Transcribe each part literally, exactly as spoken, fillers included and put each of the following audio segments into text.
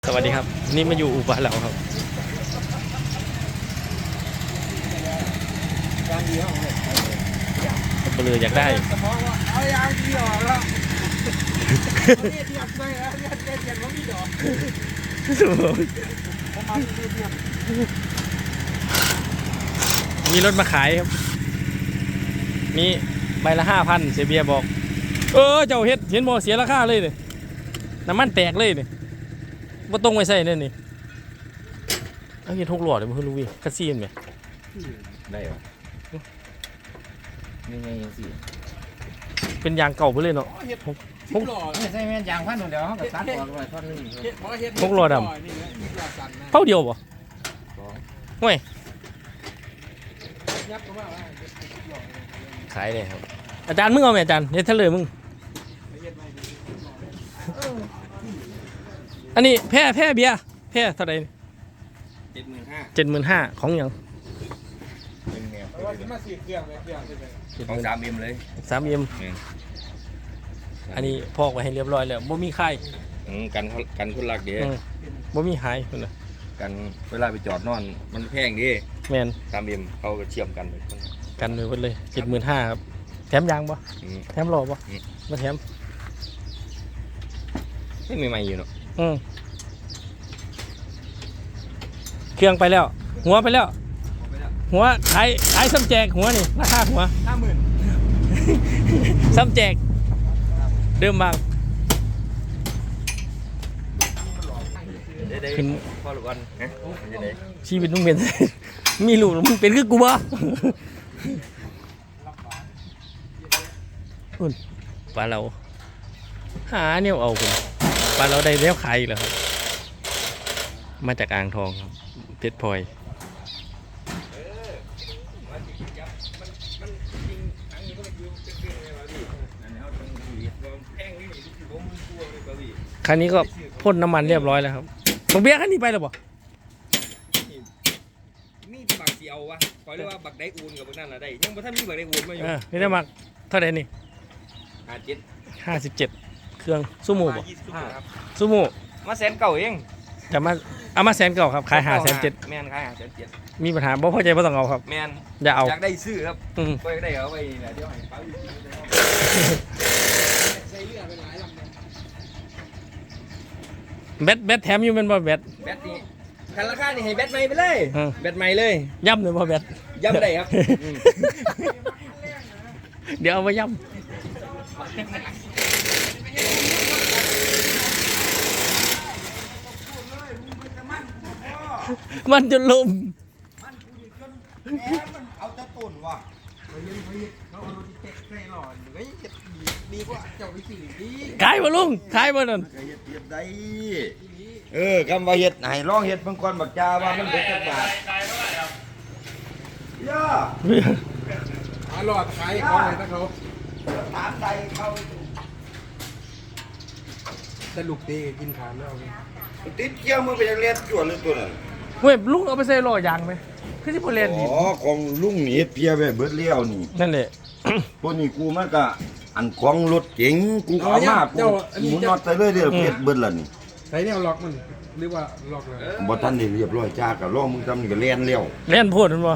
สวัสดีครับนี่มาอยู่อุบลแล้วครับยางดีของเลยเบลออยากได้เอายางดีออกแล้วเรียบเรียบไปแล้วเรียบเรียบเรียบว่ามีดอกผมมาเรียบเรียบมีรถมาขายครับมีใบละห้าพันเสียเบียบอกเออเจ้าเฮ็ดเห็นบ่เสียราคาเลยเนี่ยน้ำมันแตกเลยเนี่ยว่าตรงไปใส่เนี่ยนี่เอาเฮ็ดทุกหลอดเลยมันคือลูกวิ่งคัสซีนไหมได้เหรอนี่ไงยังสิเป็นยางเก่าไปเลยเนาะพกหล่อไม่ใช่แม่ยางพันเดียวเขาก็ตัดออกไปท่อนนึงพกหลอดดำเท่าเดียวป่ะห่วยขายเลยครับอาจารย์มึงเอาไหมอาจารย์เฮ็ดเท่าเลยมึงอันนี้แพ้แพ้เบียร์แพ้เท่าไหร่เจ็ดหมื่นห้าเจ็ดหมื่นห้าของยังเป็นไงมาสี่เครื่องเครื่องของสามเอ็มเลยสามเอ็มอันนี้พอกไว้ให้เรียบร้อยแล้วบ่มีไข่กันกันคนรักเดียบ่มีหายคนละกันเวลาไปจอดนอนมันแพงดิแมนสามเอ็มเขาก็เชื่อมกันเลยกันเลยหมดเลยเจ็ดหมื่นห้าครับแถมยางปะแถมหล่อปะมาแถมไม่ใหม่ๆอยู่เนาะอืมเครื่องไปแล้วหัวไปแล้วหัวขายขายซ้ำแจกหัวนี่ราคาหัวห้าหมื่นซ้ำแจกเดิมบางขึ้นพ่อลูกอันฮะชีวิตมึงเป็นมีลูกมึงเป็นคือกูบ่อุ่นปลาเราหาเนี่ยเอาคุณปลาเราได้แล้วขายอีกแล้วครับมาจากอ่างทองครับเพชรพลอยคันนี้ก็พ่นน้ำมันเรียบร้อยแล้วครับบักเบี้ยคันนี้ไปแล้วบ่มีบักเสียววะขอเรียกว่าบักไดอูนกับบักนั่นละได้ยังบ่ทันมีบักไดอูนมาอยู่นี่ได้มาเท่าไหร่นี่ห้าเจ็ดห้าสิบเจ็ดเครื่องซูโม่บ่ครับซูโม่มาแสนเก่าเองจะมาเอามาแสนเก่าครับขายห้าแสนเจ็ดแมนขายห้าแสนเจ็ดมีปัญหาบ่พอใจบ่ต้องเอาครับแมนอย่าเอาอยากได้ซื้อครับอืมก็ได้เอาไว้นี่แหละเดี๋ยวให้เขาอยู่ใส่เรือเป็นหลายลำเลยแบตแบตแถมอยู่เป็นบ่แบตแบตนี่คันราคานี่ให้แบตใหม่ไปเลยแบตใหม่เลยย่ำเลยบ่แบตย่ำได้ครับเดี๋ยวเอามาย่ำมันจะลมเอาจะตุ่นว่ะเฮ้ยเฮ้ยเขาเอาที่เตะใส่หลอดเฮ้ยดีกว่าเจ้าไปสี่ดีขายบ่ลุงขายบ่นั่นเฮ็ดเฮ็ดได้เออคำว่าเฮ็ดให้ลองเฮ็ดเพิ่นก่อนบักจาว่ามันเป็นจังบาทย่าหาหลอดขายเขาเลยนะเขาถามใดเขาแต่ลูกตีกินขาดแล้วติดเกี่ยวมือไปจังเรียนจวนเลยตัวนั้นเว้ยลุงเอาไปใส่ล้อยางไหมคือสิบ่เล่นอ๋อของลุงนี่เฮ็ดเพียไว้เบิดแล้วนี่นั่นแหละตัวนี้กูมันก็อันของรถเก๋งกูเอามากูหมุนน็อตไปเรื่อยๆเฮ็ดเบิดแล้วนี่ใส่แนวล็อกมันหรือว่าล็อกเลยบ่ทันได้เรียบร้อยจ้าก็รอมึงทำนี่ก็แล่นแล้วเล่นพูดมันบ่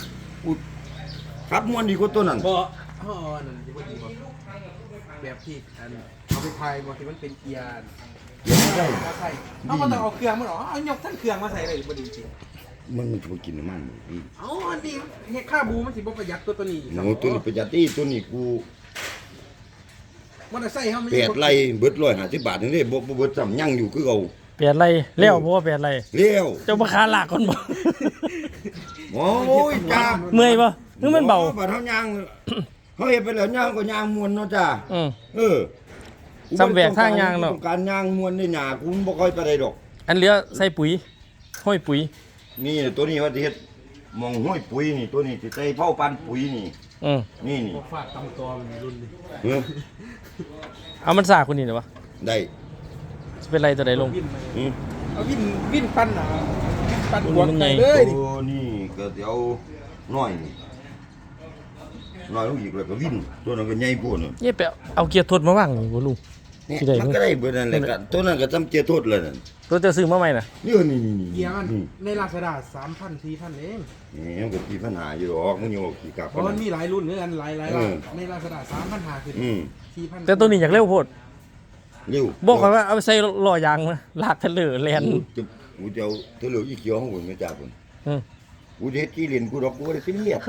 ครับม่วนดีกว่าตัวนั้นบ่อ๋อนั่นสิบ่ดีบ่แบบที่อันเอาไปพายบ่ที่มันเป็นเกียร์เกียร์ไม่ได้ใส่เอาบ่ต้องเอาเครื่องมันหรอเอายกทั้งเครื่องมาใส่เลยบ่ดีจริงมันมันจะกินน้ำมันพี่เอ้าอันนี้เฮ็ดค่าบูมันสิบ่ประหยัดตัวตัวนี้โอ้ตัวนี้ประหยัดอีตัวนี้กูมอเตอร์ไซค์เฮามันแปดไร่เบิดหนึ่งร้อยห้าสิบบาทนี่เด้บ่บ่เบิดซ้ำยังอยู่คือเก่าแปดไร่แล้วบ่ว่าแปดไร่แล้วเจ้าบ่คาลากก่อนบ่โอ้ยจ้าเมื่อยบ่นึกมันเบาบ่เฮายางเฮาเฮ็ดไปแล้วยางก็ยางม่วนเนาะจ้าอือเออซ้ำแบกทางยางเนาะต้องการยางม่วนในหญ้ากูบ่ค่อยปานใดดอกอันเหลือใส่ปุ๋ยห้อยปุ๋ยนี่ตัวนี้ว่าสิเฮ็ดมองห้อยปุ๋ยนี่ตัวนี้สิใส่เผาปันปุ๋ยนี่อือนี่นี่ฟาดตำตอมันรุ่นนี่เออเอามันซาคนนี้ได้บ่ได้สิเป็นไรตัวใดลงอือเอาวินวินปั้นน่ะปั้นหัวใหญ่เลยตัวนี้ก็สิเอาน้อยนี่น้อยลงอีกแล้วก็วินตัวนั้นก็ใหญ่โพดน่ะนี่ไปเอาเกียร์ทดมาวางนี่บ่ลุงเนี่ยที่ใดมันก็ได้เบิดนั่นแหละก็ตัวนั้นก็จำเจโทษเลยนั่นตัวเจะซื้อมาใหม่น่ะนี่นี่นี่นี่เกียร์มันนี่ในลาซาด้าสามพันสี่พันเองนี่มันก็มีปัญหาอยู่หรอกมันอยู่ขี่กลับเพราะมันมีหลายรุ่นเหมือนกันหลายหลายเอร้าอนในลาซาด้าสามพันห้าคืออืมสี่พันแต่ตัวนี้อยากเร็วโพดเร็วบอกเขาว่าเอาไปใส่ล้อยางนะลากทะเลแลนจะกูจะเอาเธอเหลืออีเขียวของผมไม่จ่าผมอืมกูจะเฮ็ดที่เรียนกูดอกกูบ่ได้เป็นเรียบ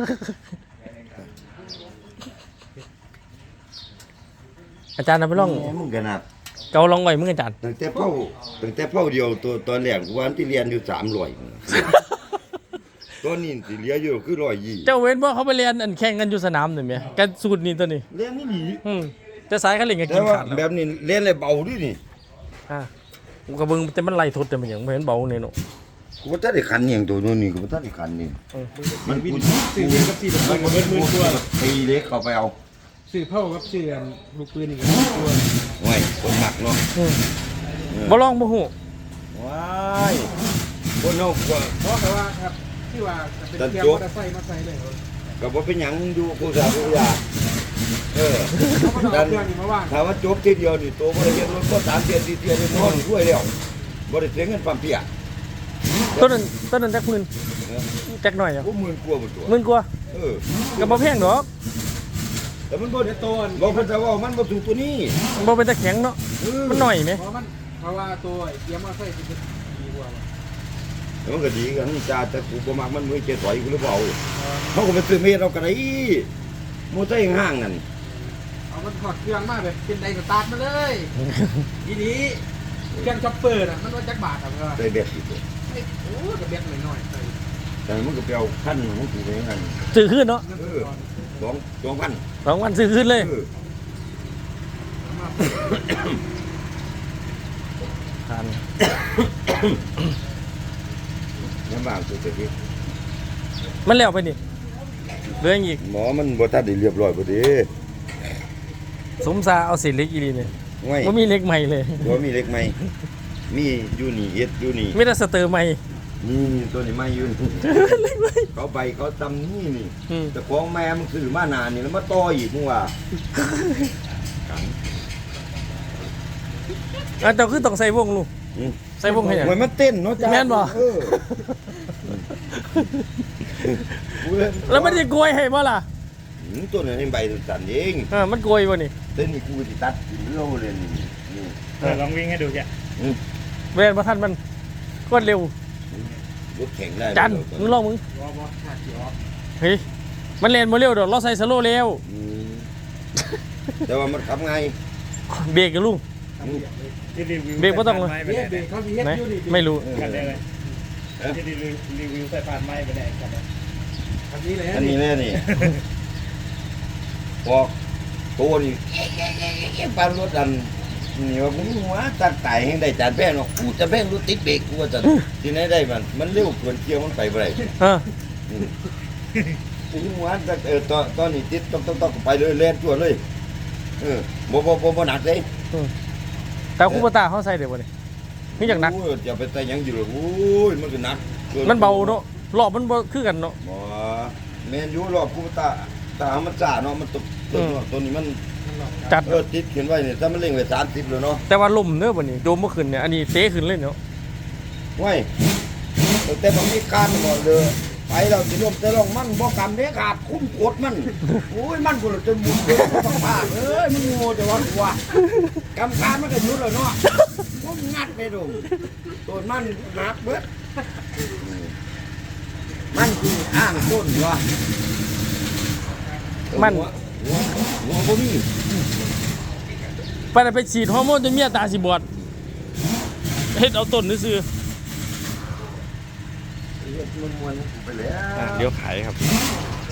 อาจารย์เอาไปลองแหมมึงขนาดเกาลองไว้มึงอาจารย์ตั้งแต่เป้าตั้งแต่เป้าเดียวตัวตอนแรกกูว่าที่เรียนอยู่สามร้อยตอนนี้สิเหลืออยู่คือร้อยยี่เจ้าเว้นว่าเขาไปเรียนอันแข่งกันอยู่สนามหน่อยไหมกันสูตรนี้ตัวนี้เรียนนี่ดีอืมแต่สายเขาเล่นกันแต่กินว่าขาดแล้วแบบนี้เรียนเลยเบาดินี่อ่ากูกระเบิงแต่มันไล่ทดแต่มันอย่างไม่เห็นเบาเนี่ยเนาะกูบ่ทันได้คันอหย่างตัวนู้นนี่กูบ่ทันได้คันนี่มันวินสื่อเดียวกับสี่ตัวมันเบิดหมื่นตัวตีเล็กเข้าไปเอาสื่อเผ่ากับสื่ออันลูกปืนอีกตัวโอ้ยคนหนักเนาะอืมบ่ลองบ่ฮู้ว้ายคนเฮากว่าเพราะแต่ว่าครับที่ว่าเป็นเกียร์มอเตอร์ไซค์มาใส่เลยก็บ่เป็นหยังอยู่กูสากูอยากเออเขาก็ต้องเอาเครื่องนี้มาว่างถ้าว่าจบทีเดียวนี่ตัวบ่ได้เรียนรถก็สามเดือนสี่เดือนนี่นอนช่วยแล้วบ่ได้เสียเงินปั๊มเปียต้นนั้นต้นนั้นจักหมื่นเออจักหน่อยอ่ะกูหมื่นกว่าบ่ตัวหมื่นกว่าเออก็บ่แพงดอกแต่มันบ่ได้โตนบ่เพิ่นจะว่ามันบ่ถูกตัวนี้มันบ่เป็นตะแข็งเนาะเออมันหน่อยไหมเพราะมันเพราะว่าตัวเกียร์มอเตอร์ไซค์จะดีกว่าแต่มันก็ดีกันนี่จ้าแต่กูบ่มักมันมือเจ็ดถอยกูหรือเปล่าเฮาก็ไปซื้อเมตรเอาก็ได้มอเตอร์ห้างนั่นเอามันถอดเครื่องมาแบบเป็นไดสตาร์ทมาเลยทีนี้เครื่องช็อปเปอร์น่ะมันว่าจักบาทอ่ะเพื่อนได้แบบอีกตัวไอ้โอ้กระเบียดหน่อยๆใส่แต่มันก็ไปเอาคันของกูไปงั้นซื้อขึ้นเนาะเงินเอสอดก่อนสองสองพันสองวันซื้อขึ้นเลยเออเอามาทานลำบากสุดที่มันแล้วไปนี่เหลืออีกหมอมันบ่ทันได้เรียบร้อยบ่ดีสมซาเอาเศษเหล็กอีหลีเนี่ยง่ายบ่มีเหล็กใหม่เลยบ่มีเล็กไหมมีอยู่นี่เฮ็ดอยู่นี่มีแต่สเตอร์ใหม่นี่นี่ตัวนี้ไม่อยู่นี่เหล็กใหม่เขาไปเขาตำนี่นี่อืมแต่ของแม่มึงซื้อมานานนี่แล้วมาต่ออีกมึงว่ากันอ่ะเจ้าคือต้องใส่วงลูกอืมใส่วงให้หยังมันมันเต้นเนาะจ้าแม่นบ่เออกูเล่นแล้วมันจะโกยให้บ่ล่ะอืมตัวนี้ใบสั่นเองเออมันโกยบ่นี่เต้นนี่กูสิตัดเร็วเลยนี่นี่เออลองวิ่งให้ดูแกอืมเวลบ่ทันมันกดเร็วรถแข่งได้จันมึงลองมึงวอบอขาดเกียร์ออฟเฮ้ยมันเล่นบ่เร็วดอกเราใส่สโลว์เร็วอืมแต่ว่ามันขับไงเบรกกับลุงที่รีวิวเบรกบ่ต้องเลยใส่พานไม้ไปเนี่ยไหนเบรกเขาสิเฮ็ดไหนอยู่นี่ไม่รู้กันได้เลยที่รีวิวรีวิวใส่พานไม้ไปไหนกันเนี่ยอันนี้เลยอันนี้แน่นี่พอกตัวนี่ปานรถดันนี่ว่ามึงหัวตัดไตให้ได้จานแป้งเนาะกูจะแป้งรถติดเบรกกูว่าจะที่ไหนได้มันมันเร็วเกินเที่ยวมันไปบ่ได้เออถึงหัวแต่เออตอนตอนนี้ติดต้องต้องต้องไปเลยแล่นตัวเลยเออบ่บ่บ่บ่หนักเลยแต่คูปตาเขาใส่เดี๋ยวบ่นี่มีอย่างหนักโอ้ยจะไปใส่หยังอยู่หรอโอ้ยมันก็หนักกิมันเบาเนาะรอบมันบ่คือกันเนาะบ่แม่นอยู่รอบกูตาตามันซ่าเนาะมันตกตัวเนาะตัวนี้มันจัดเออติดเขียนไว้นี่ถ้ามันเร่งไว้สามสิบแล้วเนาะแต่ว่าลมเด้อบ่นี่โดมบ่ขึ้นเนี่ยอันนี้เตะขึ้นเลยเนาะไว้แต่บางทีการบ่เลยไปเราสิลมแต่ลองมันบ่กำเด้ขาดคุ้มกดมันโอ้ยมันกูจะหมุนเด้ต้องพาเอ้ยมึงโง่แต่ว่าว่ากำการมันก็หยุดแล้วเนาะผมงัดไปดูตัวมันหักเบิดมันคืออ้างต้นวะมันหัวหัวบ่มีไปน่ะไปฉีดฮอร์โมนจนเมียตาสิบอดเฮ็ดเอาต้นซื่อเฮ็ดมวนๆไปแล้วๆเดี๋ยวขายครับ